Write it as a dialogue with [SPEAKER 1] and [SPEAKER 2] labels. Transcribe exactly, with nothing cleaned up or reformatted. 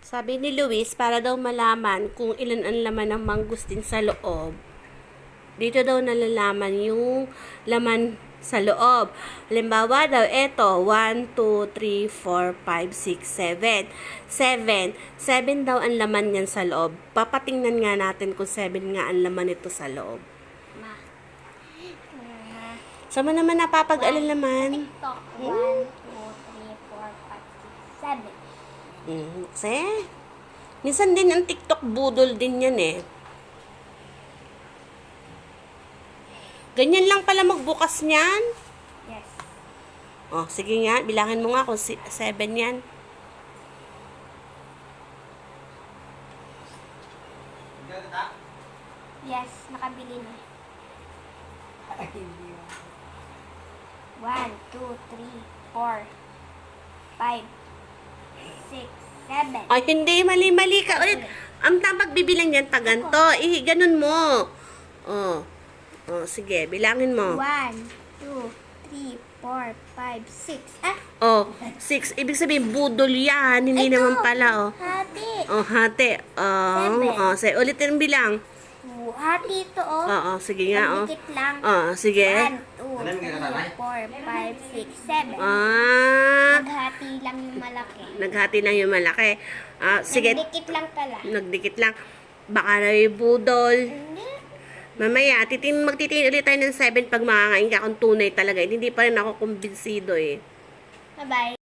[SPEAKER 1] Sabi ni Luis, para daw malaman kung ilan ang laman ng mangustin sa loob, dito daw nalalaman yung laman sa loob. Halimbawa daw, eto, one, two, three, four, five, six, seven. seven. seven daw ang laman niyan sa loob. Papatingnan nga natin kung seven nga ang laman nito sa loob.
[SPEAKER 2] Ma.
[SPEAKER 1] Saan mo naman napapag-alalaman?
[SPEAKER 2] TikTok. one, two, three, four, five, six, seven.
[SPEAKER 1] Hmm, kasi, minsan din ang TikTok budol din yan eh. Ganyan lang pala magbukas niyan.
[SPEAKER 2] Yes.
[SPEAKER 1] Oh, sige nga, bilangin mo nga kung si seven yan.
[SPEAKER 2] Yes, nakabili na. one, two, three, four, five, six, seven.
[SPEAKER 1] Ay, hindi, mali-mali ka ulit. Ang tamang bibilang yan, pag ganito. Eh, ganun mo. Oh. Oh, sige, bilangin mo.
[SPEAKER 2] one, two, three, four, five, six. Ah,
[SPEAKER 1] Oh, six. Ibig sabihin, budol yan. Hindi
[SPEAKER 2] ito.
[SPEAKER 1] naman pala, oh.
[SPEAKER 2] Hati.
[SPEAKER 1] Oh, hati. Oh,
[SPEAKER 2] Seven.
[SPEAKER 1] oh, sige, ulitin ang bilang.
[SPEAKER 2] Two. Hati ito, oh.
[SPEAKER 1] Oo, sige nga, oh.
[SPEAKER 2] Pagdikit lang.
[SPEAKER 1] Oh, sige.
[SPEAKER 2] one, two, three, four, five, six, seven.
[SPEAKER 1] Ah,
[SPEAKER 2] Naghati lang yung malaki.
[SPEAKER 1] naghati lang yung malaki. Ah, sige,
[SPEAKER 2] Nagdikit lang pala.
[SPEAKER 1] nagdikit lang. Baka na yung budol.
[SPEAKER 2] Hindi.
[SPEAKER 1] Mamaya, titin, magtitingin ulit tayo ng seven pag makakain ka kung tunay talaga. Hindi pa rin ako kumbinsido eh.
[SPEAKER 2] Bye-bye.